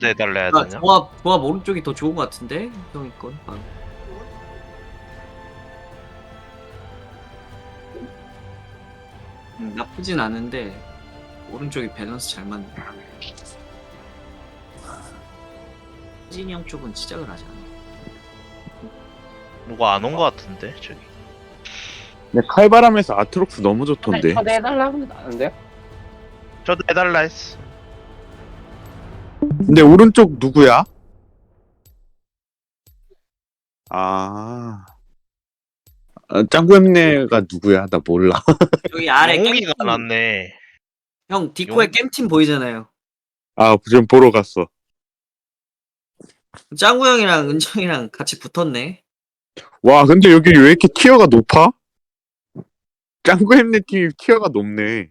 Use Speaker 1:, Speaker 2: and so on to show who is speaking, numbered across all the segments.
Speaker 1: 해달라 해야
Speaker 2: 나
Speaker 1: 되냐?
Speaker 2: 조합 오른쪽이 더 좋은 것 같은데 형이 건. 나쁘진 않은데 오른쪽이 밸런스 잘 맞네. 진이 형 쪽은 시작을 하지 않아.
Speaker 1: 누가 안 온 거 같은데 저기.
Speaker 3: 근데 칼바람에서 아트록스 너무 좋던데.
Speaker 4: 초대해달라고 하는데요?
Speaker 1: 저도 해달라 했어.
Speaker 3: 근데 오른쪽 누구야? 아, 짱구엠네가 누구야? 나 몰라.
Speaker 2: 여기 아래
Speaker 1: 영웅이가
Speaker 2: 겜팀.
Speaker 1: 났네.
Speaker 2: 형 디코의 겜팀 보이잖아요.
Speaker 3: 아, 지금 보러 갔어.
Speaker 2: 짱구 형이랑 은정이랑 같이 붙었네.
Speaker 3: 와, 근데 여기 왜 이렇게 티어가 높아? 짱구엠네 팀 티어가 높네.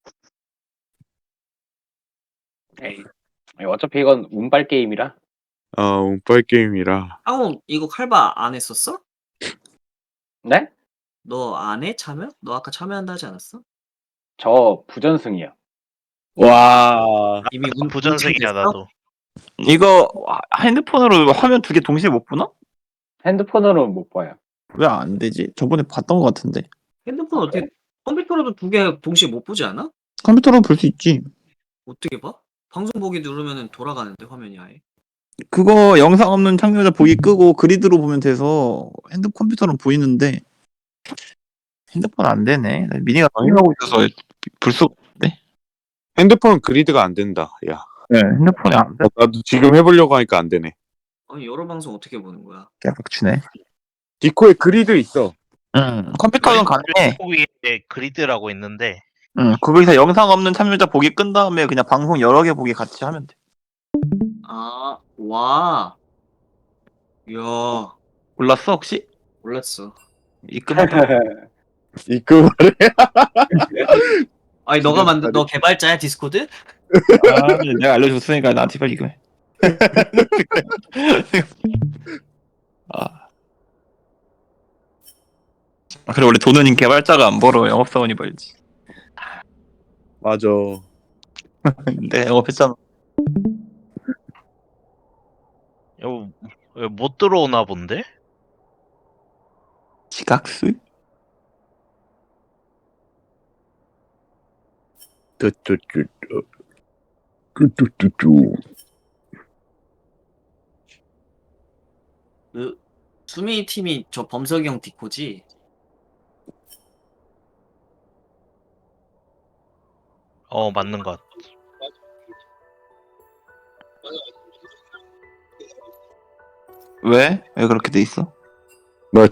Speaker 4: 에이, 어차피 이건 운빨 게임이라.
Speaker 3: 운빨 게임이라.
Speaker 2: 형 이거 칼바 안 했었어?
Speaker 4: 네?
Speaker 2: 너 안 해? 참여? 너 아까 참여한다 하지 않았어?
Speaker 4: 저 부전승이요.
Speaker 5: 와
Speaker 2: 이미
Speaker 1: 부전승이야
Speaker 2: 됐어?
Speaker 1: 나도.
Speaker 5: 이거 핸드폰으로 화면 두 개 동시에 못 보나?
Speaker 4: 핸드폰으로는 못 봐요.
Speaker 5: 왜 안 되지? 저번에 봤던 것 같은데.
Speaker 2: 핸드폰 어떻게 컴퓨터로도 두 개 동시에 못 보지 않아?
Speaker 5: 컴퓨터로 볼 수 있지.
Speaker 2: 어떻게 봐? 방송 보기 누르면은 돌아가는데 화면이 아예.
Speaker 5: 그거 영상 없는 참여자 보기 끄고 그리드로 보면 돼서 컴퓨터는 보이는데 핸드폰 안 되네. 미니가 방해하고 있어서 볼 수가 없네.
Speaker 3: 핸드폰 그리드가 안 된다. 야,
Speaker 5: 네, 핸드폰이 안 돼.
Speaker 3: 나도 지금 해보려고 하니까 안 되네.
Speaker 2: 아니 여러 방송 어떻게 보는 거야?
Speaker 5: 깨박치네.
Speaker 3: 디코에 그리드 있어.
Speaker 5: 응, 컴퓨터는 가능해.
Speaker 1: 위에 그리드라고 있는데
Speaker 5: 응, 거기서 영상 없는 참여자 보기 끈 다음에 그냥 방송 여러 개 보기 같이 하면 돼.
Speaker 2: 아, 와. 이야,
Speaker 5: 몰랐어 혹시?
Speaker 2: 몰랐어.
Speaker 5: 입금했다.
Speaker 3: 이거
Speaker 2: 아니 너가 만든 너 개발자야 디스코드?
Speaker 5: 아, 내가 알려줬으니까 나한테 빨리 입금해. 그래 원래 돈은 개발자가 안 벌어 영업사원이 벌지.
Speaker 3: 맞아.
Speaker 5: 근데 영업했잖아.
Speaker 1: 이거 못 들어오나 본데?
Speaker 5: 지각수?
Speaker 3: 뚜뚜뚜뚜.
Speaker 2: 그 수미 팀이 저 범석이 형 디코지?
Speaker 1: 맞는 것 같아.
Speaker 5: 왜? 왜 그렇게 돼 있어?
Speaker 3: 뭐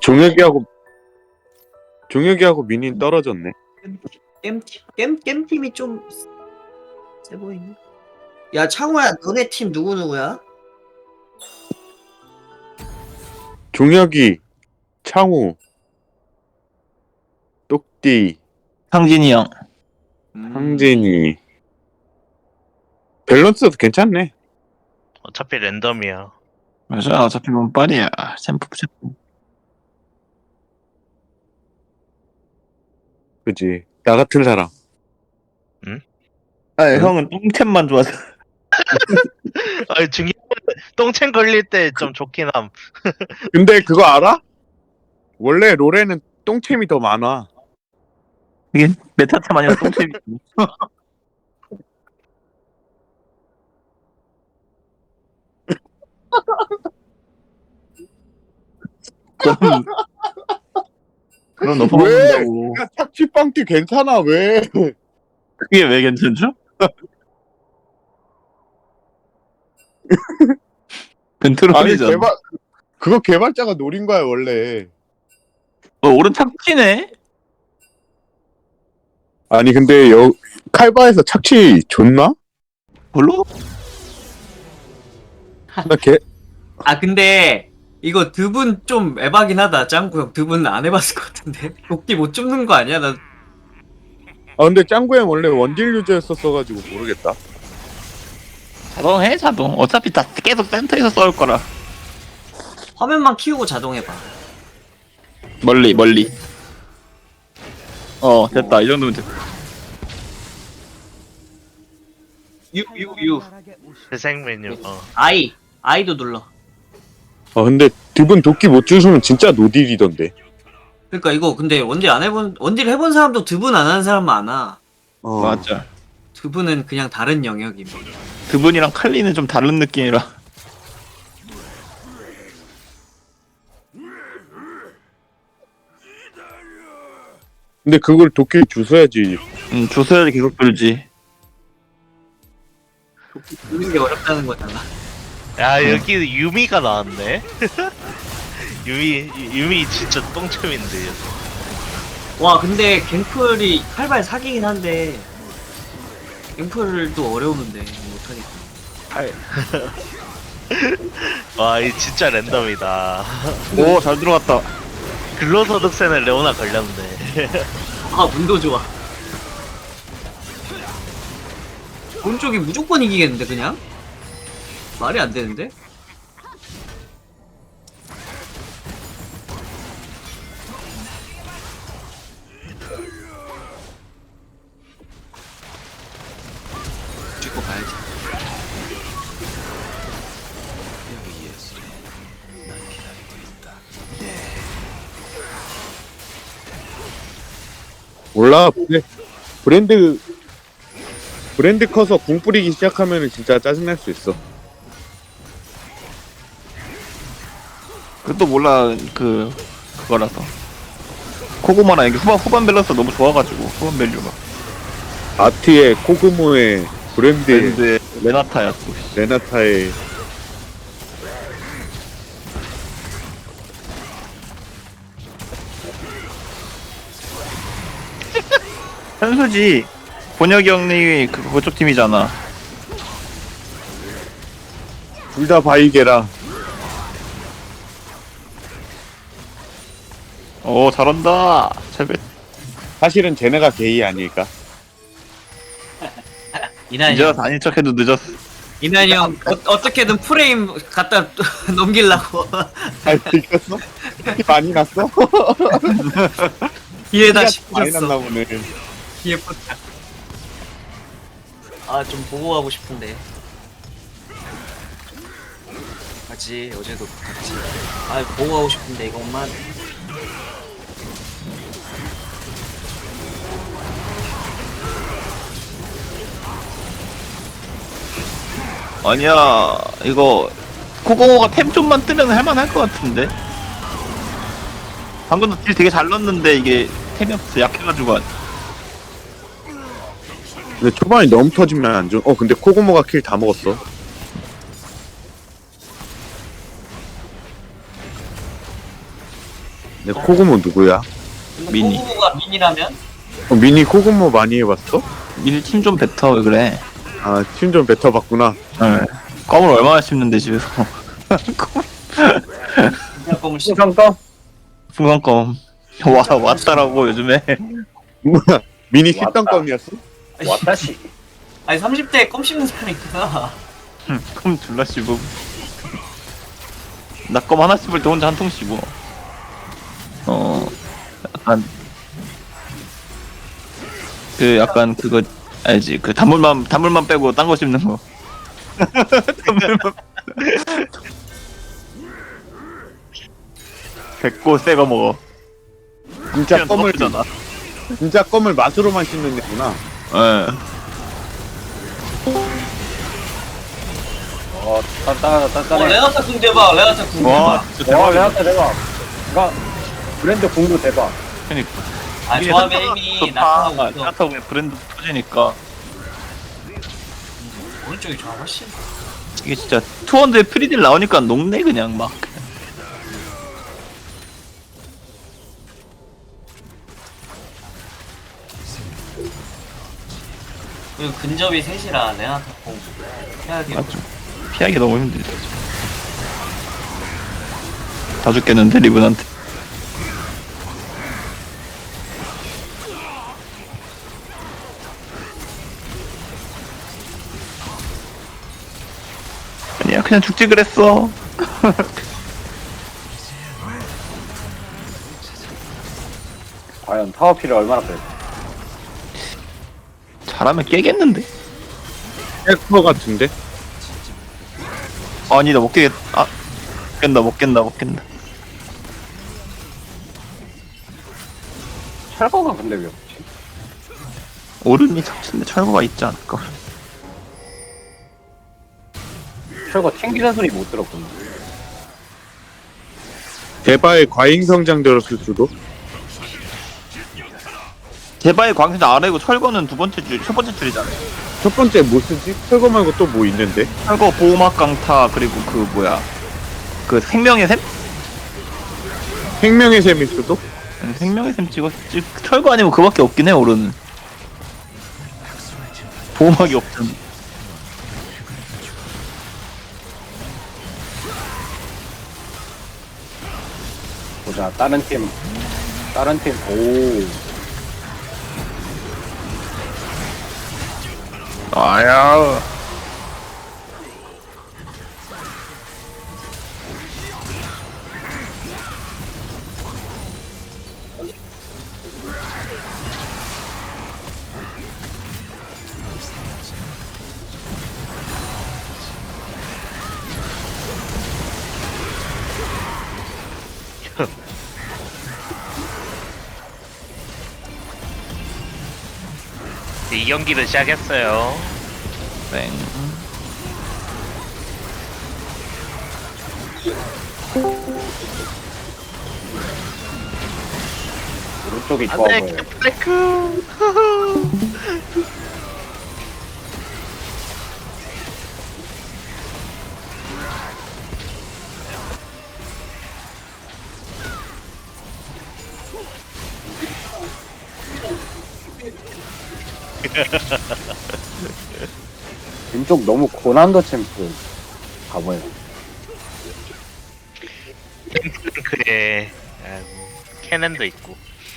Speaker 3: 종혁이하고 민인 떨어졌네.
Speaker 2: 겜 팀이 좀 세 보이네. 야 창호야, 너네 팀 누구 누구야?
Speaker 3: 종혁이, 창우, 똑띠,
Speaker 5: 상진이 형.
Speaker 3: 황진이. 밸런스도 괜찮네.
Speaker 1: 어차피 랜덤이야.
Speaker 5: 맞아 어차피 몸빨이야. 챔프.
Speaker 3: 그지? 나 같은 사람.
Speaker 5: 아 형은 똥챔만 좋아서.
Speaker 1: 아니 중요한 똥챙 걸릴 때 좀 좋긴 함.
Speaker 3: 근데 그거 알아? 원래 롤에는 똥챔이 더 많아.
Speaker 5: 이게 메타챔 아니라 똥챔이. 그럼 너 먹는다고.
Speaker 3: 야, 착취빵띠 괜찮아, 왜?
Speaker 5: 그게 왜 괜찮죠?
Speaker 3: 아니,
Speaker 5: 벤트롤이잖아.
Speaker 3: 그거 개발자가 노린 거야, 원래.
Speaker 5: 오른 착취네?
Speaker 3: 아니, 근데 칼바에서 착취 좋나?
Speaker 5: 별로?
Speaker 3: 나
Speaker 2: 아 근데 이거 두 분 좀 에바긴 하다. 짱구 형 두 분 안 해봤을 것 같은데. 도끼 못 줍는 거 아니야? 나
Speaker 3: 근데 짱구엠 원래 원딜 유저였었어가지고 모르겠다.
Speaker 5: 자동 자동. 어차피 다 계속 센터에서 싸울 거라.
Speaker 2: 화면만 키우고 자동 해봐.
Speaker 5: 멀리. 됐다. 이 정도면 됐다.
Speaker 2: 유.
Speaker 1: 재생 메뉴.
Speaker 2: 아이도 눌러.
Speaker 3: 근데 드분 도끼 못 주우면 진짜 노딜이던데.
Speaker 2: 그러니까 이거 근데 원딜 해본 사람도 드분 안 하는 사람 많아.
Speaker 5: 맞아.
Speaker 2: 드분은 그냥 다른 영역입니다.
Speaker 5: 그분이랑 칼리는 좀 다른 느낌이라.
Speaker 3: 근데 그걸 도끼 주워야지.
Speaker 5: 조서야지 계속 들지.
Speaker 2: 드는 게 어렵다는 거잖아.
Speaker 1: 야 여기 유미가 나왔네. 유미 진짜 똥챔인데.
Speaker 2: 와 근데 갱플이 칼발 사기긴 한데 갱플도 어려우는데 못하겠다.
Speaker 1: 와이 진짜 랜덤이다.
Speaker 5: 오, 잘 들어갔다.
Speaker 1: 근로소득세는 레오나 걸렸네.
Speaker 2: 아 문도 좋아. 오른쪽이 무조건 이기겠는데 그냥? 말이 안 되는데? 찍고 가야지.
Speaker 3: 몰라. 근데 브랜드 커서 궁 뿌리기 시작하면은 진짜 짜증날 수 있어.
Speaker 5: 그것도 몰라. 그거라서. 코고마랑 이게 후반 밸런스 너무 좋아가지고 후반 밸류가.
Speaker 3: 아트의 코그모의 브랜드의
Speaker 5: 밴드의 레나타야 또.
Speaker 3: 레나타의
Speaker 5: 현수지 본혁이 형이 그쪽 팀이잖아.
Speaker 3: 둘 다 바이게라.
Speaker 5: 오, 잘한다.
Speaker 3: 사실은 쟤네가 게이 아닐까?
Speaker 2: 이난이
Speaker 5: 이제
Speaker 2: 형,
Speaker 5: 다닌 척해도 늦었어.
Speaker 2: 이난이 형 어떻게든 프레임 갖다 넘기려고
Speaker 3: 잘 들켰어? 많이 났어?
Speaker 2: 뒤에다
Speaker 3: 많이 났나
Speaker 2: 씹혔어.
Speaker 3: 보네.
Speaker 2: 뒤에 포착. 아좀 보고 가고 싶은데. 같이 어제도 같이. 아 보고 가고 싶은데 이것만.
Speaker 5: 아니야, 이거 코고모가 템 좀만 뜨면 할만할 것 같은데. 방금도 딜 되게 잘 넣었는데 이게 템이 없어. 약해가지고.
Speaker 3: 근데 초반에 너무 터지면 안 좋아. 근데 코고모가 킬 다 먹었어. 근데 코고모 누구야?
Speaker 5: 미니.
Speaker 2: 호구가 민이라면?
Speaker 3: 미니 코고모 많이 해봤어?
Speaker 5: 미니 팀 좀 뱉어. 왜 그래?
Speaker 3: 아, 팀 좀 뱉어봤구나.
Speaker 5: 네. 껌을 얼마나 씹는데 집에서.
Speaker 2: 그냥 껌을 씹.
Speaker 4: 풍선껌?
Speaker 5: 풍선껌. 왔다라고 요즘에.
Speaker 3: 뭐야, 미니
Speaker 4: 왔다.
Speaker 3: 씹던 껌이었어?
Speaker 4: 와타시.
Speaker 2: 아니 30대에 껌 씹는 사람이 있구나.
Speaker 5: 껌 졸라 씹음. 나 껌 하나 씹을 때 혼자 한 통 씹어. 약간 약간 그거 알지? 그 단물만 빼고 딴 거 씹는 거. 단물만. 뱉고 새거 먹어.
Speaker 3: 진짜 껌을
Speaker 5: 잖아.
Speaker 3: 진짜 껌을 맛으로만 씹는 애구나.
Speaker 5: 예.
Speaker 4: 단단하네.
Speaker 2: 레나타 궁 대박. 레나타 궁
Speaker 5: 와,
Speaker 2: 대박.
Speaker 5: 진짜
Speaker 4: 와,
Speaker 5: 대박이다.
Speaker 4: 대박. 그니까, 브랜드 공도 대박.
Speaker 5: 그러니까.
Speaker 2: 아
Speaker 5: 이게
Speaker 2: 조합의
Speaker 5: 현타가
Speaker 2: 힘이
Speaker 5: 좋다.
Speaker 2: 나타나고 있어.
Speaker 5: 현타가 그냥 브랜드 터지니까
Speaker 2: 오른쪽이 좋아 훨씬.
Speaker 5: 이게 진짜 투원드에 프리딜 나오니까 녹네 그냥 막.
Speaker 2: 그리고 근접이 셋이라 레나타 궁 해야지.
Speaker 5: 맞죠. 피하기 너무 힘들죠. 다 죽겠는데 리븐한테. 아니야, 그냥 죽지 그랬어.
Speaker 4: 과연 타워피를 얼마나 뺄까?
Speaker 5: 잘하면 깨겠는데.
Speaker 3: 헬퍼 같은데?
Speaker 5: 아니다 못 깨겠. 아 못 깬다.
Speaker 4: 철거가 근데 왜 없지?
Speaker 5: 오른이 척친데 철거가 있지 않을까?
Speaker 4: 철거 튕기는 소리 못 들었구나.
Speaker 3: 대바의 과잉 성장 들었을 수도.
Speaker 5: 제바의 광선 아래고 철거는 첫 번째 줄이잖아.
Speaker 3: 첫 번째 뭐 쓰지? 철거 말고 또 뭐 있는데?
Speaker 5: 철거 보호막 강타 그리고 그 뭐야 그 생명의 샘?
Speaker 3: 생명의 셈일 수도?
Speaker 5: 생명의 샘 찍었지. 철거 아니면 그밖에 없긴 해 오른은. 보호막이 없잖아.
Speaker 4: 보자, 다른 팀, 오.
Speaker 5: 아야.
Speaker 1: 이 경기를 시작했어요.
Speaker 5: 땡.
Speaker 4: 오른쪽이 좋아
Speaker 1: 안돼
Speaker 4: 보여.
Speaker 1: 블랙크.
Speaker 4: 왼쪽 너무 고난도 챔프 가봐요.
Speaker 1: 그래. 캐넨도 있고.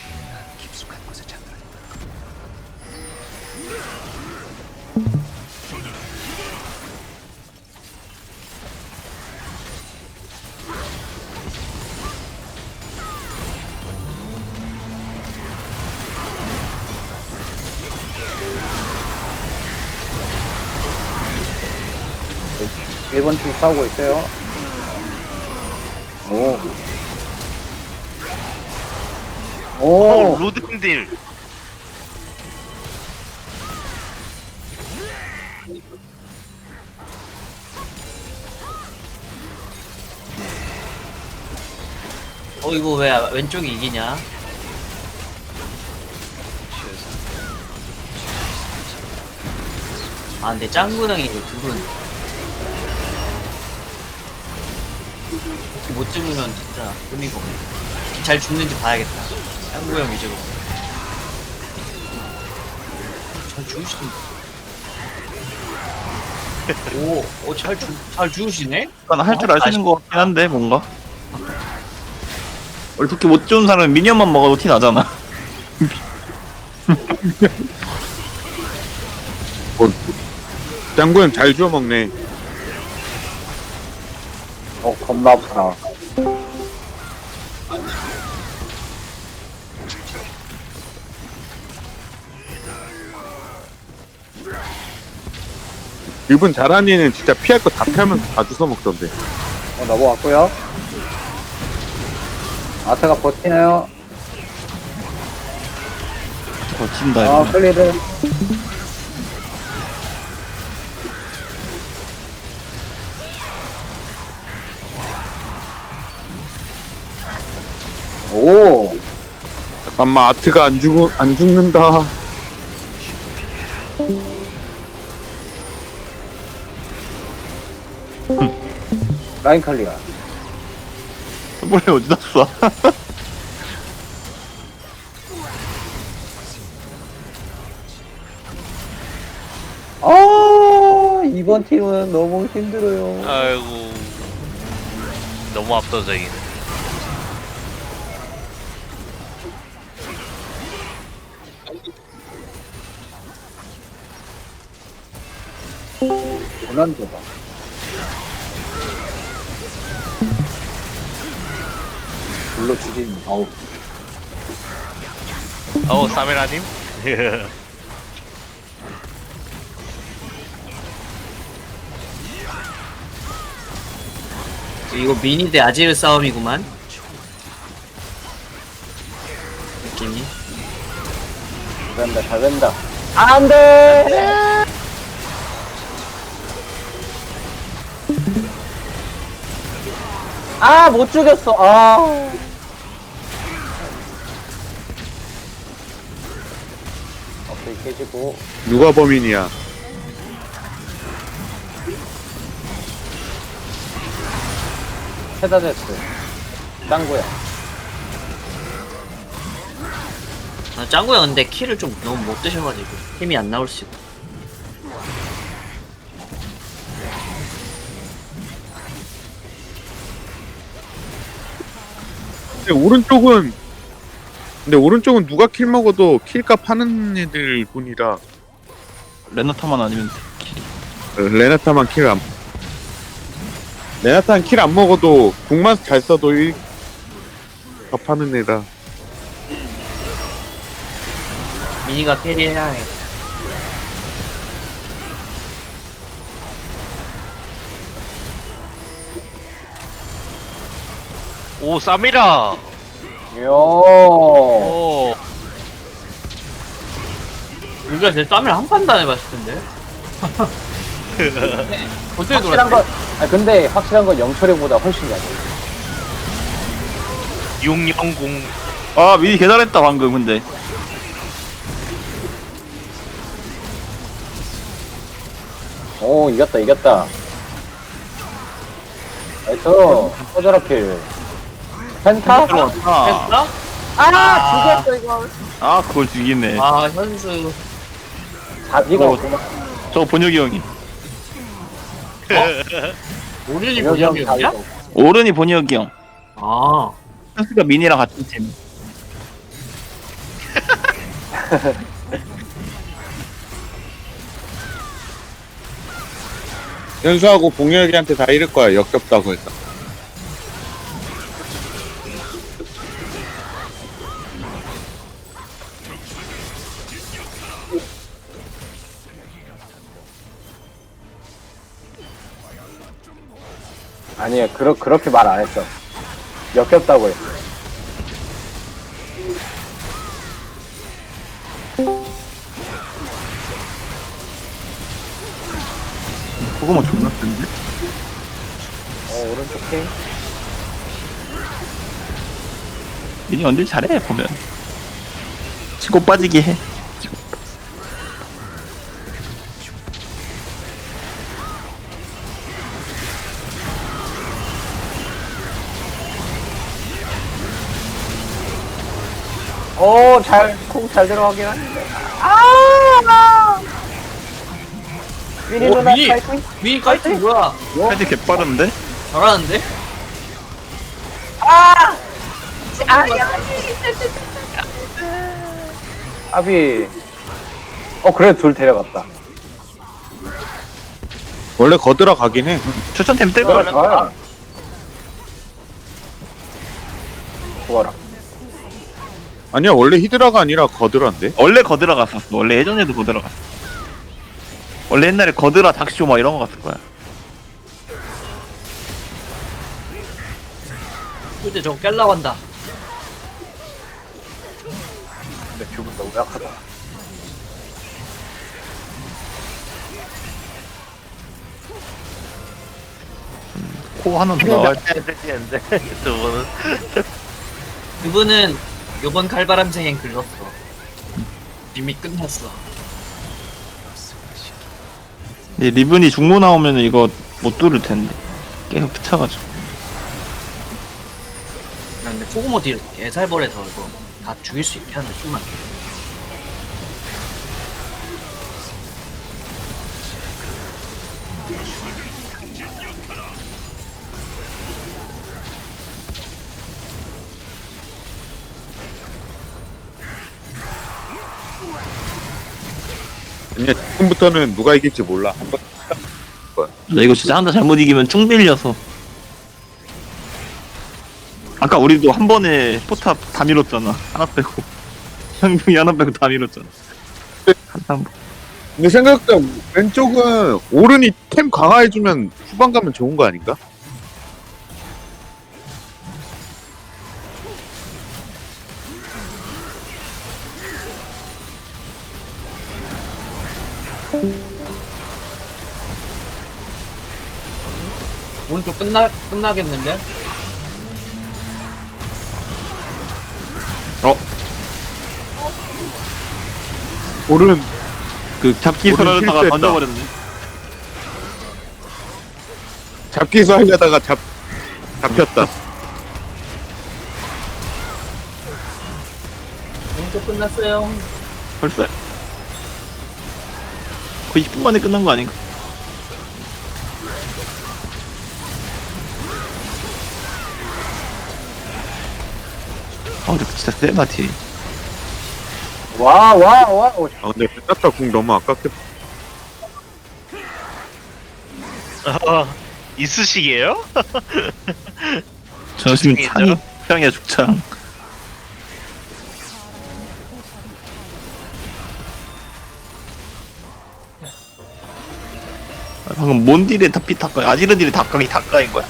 Speaker 4: 일본 팀 싸우고 있어요. 오. 오.
Speaker 1: 로드딜.
Speaker 2: 이거 왜 왼쪽이 이기냐? 아 근데 짱구 형이 이거 둘은 이렇게 못 죽으면 진짜 의미가 없네. 잘 죽는지 봐야겠다. 짱구 형 위주로. 잘 죽으시던데. 잘 죽으시네?
Speaker 5: 약간 할 줄 아시는 것 같긴 한데 뭔가. 원래 그렇게 못 좋은 사람은 미니언만 먹어도 티 나잖아.
Speaker 3: 짱구 형 잘 주워 먹네.
Speaker 4: 겁나 아프다.
Speaker 3: 이분 잘하는 애는 진짜 피할 거 다 피하면서 다 주워 먹던데.
Speaker 4: 넘어왔고요. 아트가 버티나요?
Speaker 5: 버틴다
Speaker 4: 아,
Speaker 5: 이거.
Speaker 4: 클리드. 오.
Speaker 3: 잠깐만 아트가 안 죽는다.
Speaker 4: 라인 칼리가.
Speaker 5: 머리 어디다 쏴?
Speaker 4: 이번 팀은 너무 힘들어요.
Speaker 1: 아이고. 너무 압도적이네.
Speaker 4: 고난도다. 불러 주진. 어우.
Speaker 1: 사미라님?
Speaker 2: 이거 미니 대 아지르 싸움이구만. 느낌이.
Speaker 4: 잘 된다, 잘 된다. 안 돼! 아, 못 죽였어. 아. 어플 깨지고.
Speaker 3: 누가 범인이야?
Speaker 4: 페다데스. 짱구야.
Speaker 2: 아, 짱구 형 근데 키를 좀 너무 못 드셔가지고 힘이 안 나올 수 있고.
Speaker 3: 근데 오른쪽은 누가 킬 먹어도 킬값 하는 애들 뿐이라
Speaker 5: 레나타만 아니면 킬이.
Speaker 3: 레나타만 레나타는 킬 안 먹어도 궁만 잘 써도 값 하는 애라.
Speaker 2: 미니가 캐리해야 해.
Speaker 1: 오 쌈이라.
Speaker 4: 요.
Speaker 1: 오.
Speaker 2: 우리가 제 쌈을 한 판도 안 해봤을 텐데. 어떻게
Speaker 4: 확실한
Speaker 2: 돌았지?
Speaker 4: 건, 근데 확실한 건 영철이보다 훨씬 잘해.
Speaker 1: 600.
Speaker 5: 아 미니 개잘했다 방금 근데.
Speaker 4: 오, 이겼다, 이겼다. 나이스. 꺼져라 킬. 펜타?
Speaker 5: 들어왔다.
Speaker 2: 했어?
Speaker 4: 죽였어, 이거.
Speaker 5: 아 그걸 죽이네.
Speaker 2: 아 현수.
Speaker 4: 자비가
Speaker 5: 어.
Speaker 4: 없구만.
Speaker 5: 저 본혁이 형이.
Speaker 2: 오른이
Speaker 4: 여기 형
Speaker 2: 본영이었냐?
Speaker 4: 자비가 없고.
Speaker 5: 오른이 본혁이 형.
Speaker 2: 아.
Speaker 5: 현수가 미니랑 같은 팀.
Speaker 3: 현수하고 봉혁이한테 다 이럴 거야. 역겹다고 해서.
Speaker 4: 아니야, 그렇게 말 안 했어. 역겹다고 했어.
Speaker 5: 그거만 존나 센데?
Speaker 4: 오른쪽 팀.
Speaker 5: 미니 언제 잘해 보면. 치고 빠지게 해.
Speaker 4: 오, 콩 잘 들어가긴 하는데. 미니
Speaker 2: 오,
Speaker 4: 누나
Speaker 2: 미니!
Speaker 4: 파이팅!
Speaker 2: 미니 깔치 뭐야?
Speaker 5: 사이즈 개빠른데?
Speaker 2: 잘하는데?
Speaker 4: 아비. 그래, 둘 데려갔다.
Speaker 3: 원래 거들어 가긴 해.
Speaker 5: 추천템 뜰
Speaker 4: 좋아,
Speaker 5: 거야.
Speaker 4: 좋아. 좋아라.
Speaker 3: 아니야 원래 히드라가 아니라 거들어인데.
Speaker 5: 원래 거들어 갔었어. 원래 예전에도 거들어 갔어. 원래 옛날에 거들어 닥쇼 막 이런 거 갔을 거야.
Speaker 2: 근데 저거 깰라고 한다.
Speaker 4: 근데 뷰분 너무 약하다.
Speaker 5: 코 하나 더 나와야 돼.
Speaker 1: 안돼. 두 분은.
Speaker 2: 그분은 요번 칼바람생엔 글렀어. 이미 끝났어.
Speaker 5: 리븐이 중고 나오면 이거 못 뚫을 텐데. 계속 붙여가지고.
Speaker 2: 근데 포그모 딜 개살벌해서 이거 다 죽일 수 있게 하는데 좀만.
Speaker 3: 아니야 지금부터는 누가 이길지 몰라. 한번
Speaker 5: 나 이거 진짜 한타 잘못 이기면 쭉 밀려서. 아까 우리도 한 번에 포탑 다 밀었잖아. 하나 빼고. 형동이 하나 빼고 다 밀었잖아. 한 번.
Speaker 3: 근데 생각보다 왼쪽은 오른이 템 강화해주면 후반 가면 좋은 거 아닌가?
Speaker 2: 오른쪽 끝나겠는데?
Speaker 3: 오른
Speaker 5: 그 잡기술
Speaker 3: 오른
Speaker 5: 하려다가
Speaker 3: 실수했다.
Speaker 5: 던져버렸네.
Speaker 3: 잡기수 하려다가 잡혔다.
Speaker 2: 오른쪽 끝났어요.
Speaker 5: 벌써 거의 10분 만에 끝난 거 아닌가? 아 근데 진짜 세다 딜.
Speaker 4: 와, 와, 와. 오,
Speaker 3: 아 근데 끝났다 궁 너무 아깝겠다.
Speaker 1: 있으시게요?
Speaker 5: 저 지금
Speaker 1: 죽창이죠?
Speaker 5: 창이 죽창이야 죽창. 아, 방금 몬 딜에 다피 닭가 아지르 딜에 닭강이 닭가인 거야?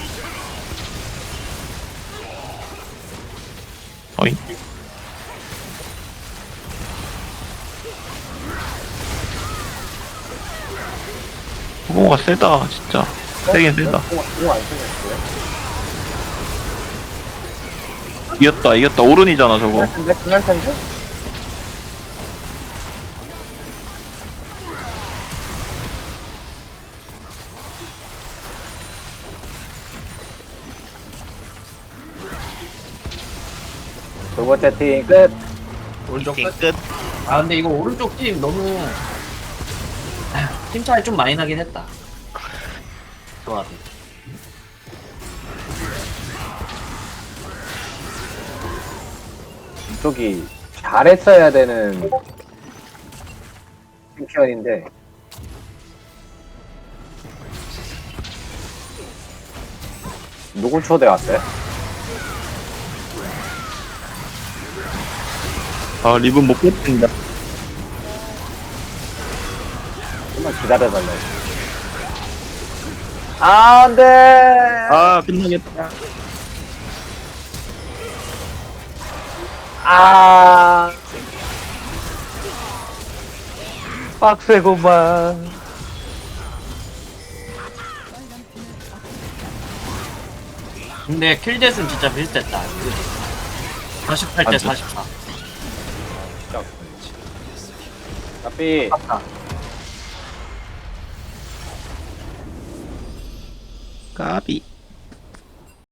Speaker 5: 어이. 호공가 세다 진짜. 세긴 세다.
Speaker 4: 공안 쓰겠어요?
Speaker 5: 이겼다 오른이잖아 저거.
Speaker 4: 근데 그날 텐데? 두 번째 팀 끝.
Speaker 2: 오른쪽
Speaker 1: 게임
Speaker 2: 끝.
Speaker 1: 끝.
Speaker 2: 아 근데 이거 오른쪽 팀 너무 팀 차이 좀 많이 나긴 했다. 좋아.
Speaker 4: 이쪽이 잘했어야 되는 챔피언인데 누굴 초대왔어요?
Speaker 5: 아 리본 못 뽑힌다.
Speaker 4: 좀만 기다려달라. 안 돼!
Speaker 5: 아 끝나겠다.
Speaker 4: 아. 빡세고만.
Speaker 2: 근데 킬댓은 진짜 비슷했다. 48대 44.
Speaker 4: 까삐.
Speaker 5: 까비.